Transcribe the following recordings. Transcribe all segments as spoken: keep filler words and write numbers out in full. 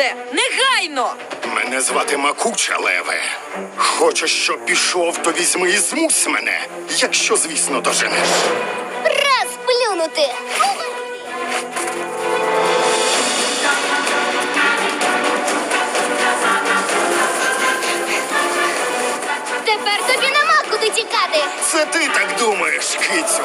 Леопарде! Негайно! Мене звати Макуча, леве. Хочеш, щоб пішов, то візьми і змусь мене. Якщо, звісно, доженеш. Раз плюнути. Тепер тобі нема куди тікати. Це ти так думаєш, кицю.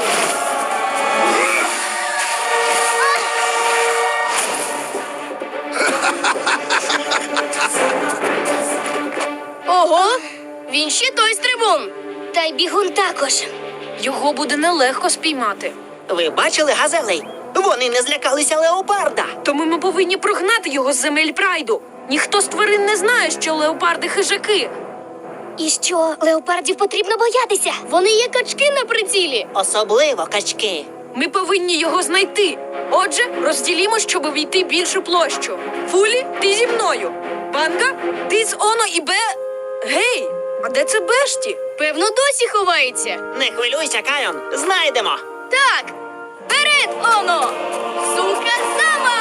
Ого, він ще той стрибун. Та й бігун також. Його буде нелегко спіймати. Ви бачили газелей? Вони не злякалися леопарда. Тому ми повинні прогнати його з земель прайду. Ніхто з тварин не знає, що леопарди хижаки. І що, леопардів потрібно боятися? Вони є качки на прицілі. Особливо качки. Ми повинні його знайти. Отже, розділімо, щоб увійти більшу площу. Фулі, ти зі мною. Банга, ти з Оно і Бе... Гей, а де це Бешті? Певно, досі ховається. Не хвилюйся, Кайон, знайдемо. Так, вперед, Оно! Сука сама!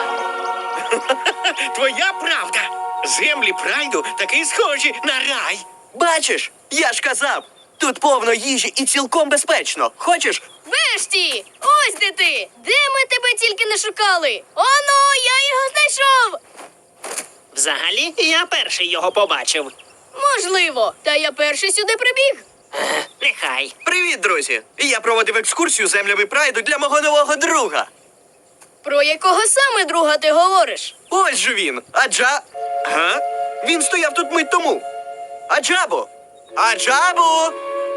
Твоя правда. Землі прайду таки схожі на рай. Бачиш, я ж казав, тут повно їжі і цілком безпечно. Хочеш? Бешті! Ось де ти! Де ми тебе тільки не шукали? Оно, я його знайшов! Взагалі, я перший його побачив. Можливо, та я перший сюди прибіг. Е, нехай. Привіт, друзі! Я проводив екскурсію землями прайду для мого нового друга. Про якого саме друга ти говориш? Ось же він, Аджа... Га? Він стояв тут мить тому. Аджабо! Аджабо!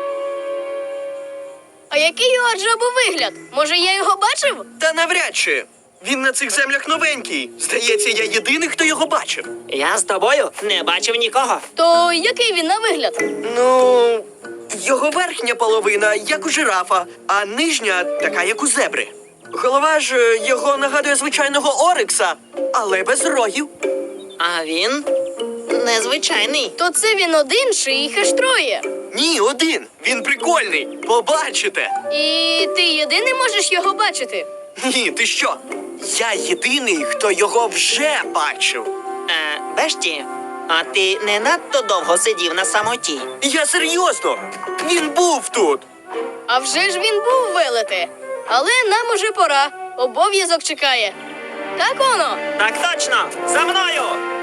А який у Аджабу вигляд? Може, я його бачив? Та навряд чи. Він на цих землях новенький. Здається, я єдиний, хто його бачив. Я з тобою не бачив нікого. То який він на вигляд? Ну, його верхня половина, як у жирафа, а нижня така, як у зебри. Голова ж е, його нагадує звичайного орикса, але без рогів. А він незвичайний. То це він один чи їх аж троє? Ні, один. Він прикольний. Побачите. І ти єдиний можеш його бачити? Ні, ти що? Я єдиний, хто його вже бачив. Е, Бешті, а ти не надто довго сидів на самоті? Я серйозно. Він був тут. А вже ж він був велете. Але нам уже пора. Обов'язок чекає. Так воно? Так точно! За мною!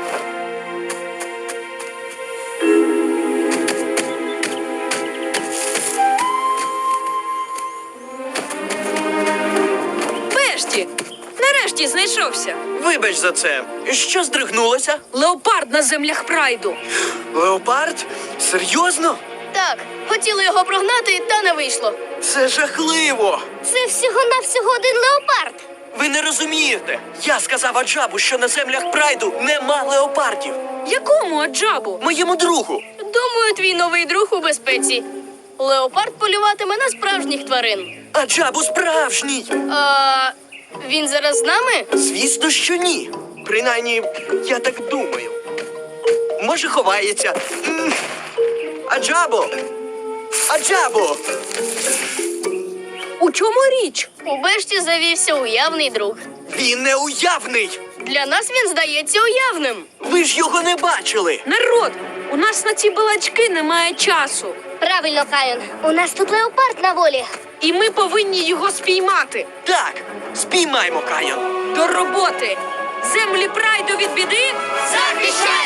Бешті! Нарешті знайшовся. Вибач за це. Що здригнулося? Леопард на землях прайду. Леопард? Серйозно? Так, хотіли його прогнати, та не вийшло. Це жахливо. Це всього-навсього один леопард. Ви не розумієте. Я сказав Аджабу, що на землях прайду нема леопардів. Якому Аджабу? Моєму другу. Думаю, твій новий друг у безпеці. Леопард полюватиме на справжніх тварин. Аджабу справжній. А він зараз з нами? Звісно, що ні. Принаймні, я так думаю. Може, ховається. М. Аджабо! Аджабо! У чому річ? У Бешті завівся уявний друг. Він не уявний! Для нас він здається уявним. Ви ж його не бачили! Народ, у нас на ці балачки немає часу. Правильно, Каїн. У нас тут леопард на волі. І ми повинні його спіймати. Так, спіймаймо Кайон. До роботи! Землі прайду від біди! Захищай!